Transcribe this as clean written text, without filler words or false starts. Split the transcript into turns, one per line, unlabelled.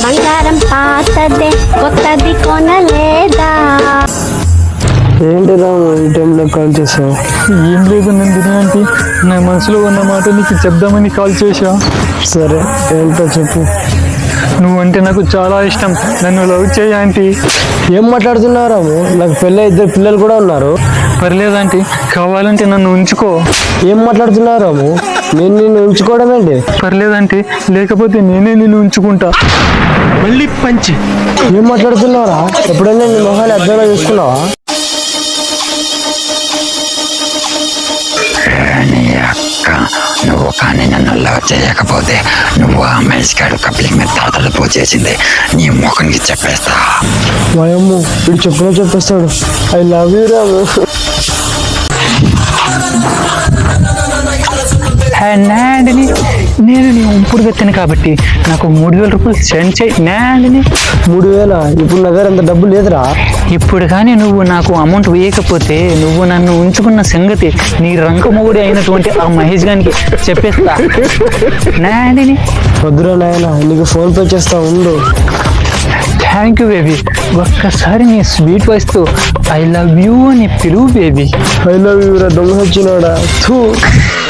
బంగారం పాతదే కొత్తది కొనలేదా?
ఏంటి రాము ఈ టైంలో కాల్ చేసావు?
ఏం లేదు నందిని ఆంటీ, నా మనసులో ఉన్న మాట నీకు చెప్దామని కాల్ చేశా.
సరే ఏంటో చెప్పు.
నువ్వంటే నాకు చాలా ఇష్టం, నన్ను లవ్ చేయి ఆంటీ.
ఏం మాట్లాడుతున్నావు రాము? నాకు పెళ్ళి 2 పిల్లలు కూడా ఉన్నారు.
పర్లేదు ఆంటీ, కావాలంటే నన్ను ఉంచుకో.
ఏం మాట్లాడుతున్నావు రాము? నేను నిన్ను ఉంచుకోవడం ఏంటి?
పర్లేదు ఆంటీ, లేకపోతే నేనే నిన్ను ఉంచుకుంటా.
మళ్ళీ పంచి.
ఏం మాట్లాడుతున్నావురా? ఎప్పుడైనా నీ మొహాన్ని అర్థంలో చూసుకున్నావా?
నువ్వు కానీ నన్ను లవ్ చేయకపోతే నువ్వు ఆ మనిషి గారు కప్లింగ్ మీద తలపో చేసింది నీ ముఖానికి చెప్పేస్తా.
వాయమ్ము, వీడు చెప్పేస్తాడు. I love you Ramu.
Nandini, నేను నీ ఉంపుడు వెత్తాను కాబట్టి నాకు 3000 రూపాయలు సెండ్ చేయి నాండిని.
3000? ఇప్పుడు నా దగ్గర అంత డబ్బు లేదురా.
ఇప్పుడు కానీ నువ్వు నాకు అమౌంట్ వేయకపోతే నువ్వు నన్ను ఉంచుకున్న సంగతి నీ రంకమొగుడి అయినటువంటి ఆ మహేష్ గారికి చెప్పేస్తా నాండిని.
వద్దురా నాయన, నీకు ఫోన్ పే చేస్తా ఉండు.
Thank you baby. ఒక్కసారి నీ స్వీట్ వాయిస్తో ఐ లవ్ యూ అని పిలువు బేబీ.
ఐ లవ్ యూ రా దొంగ వచ్చినాడా.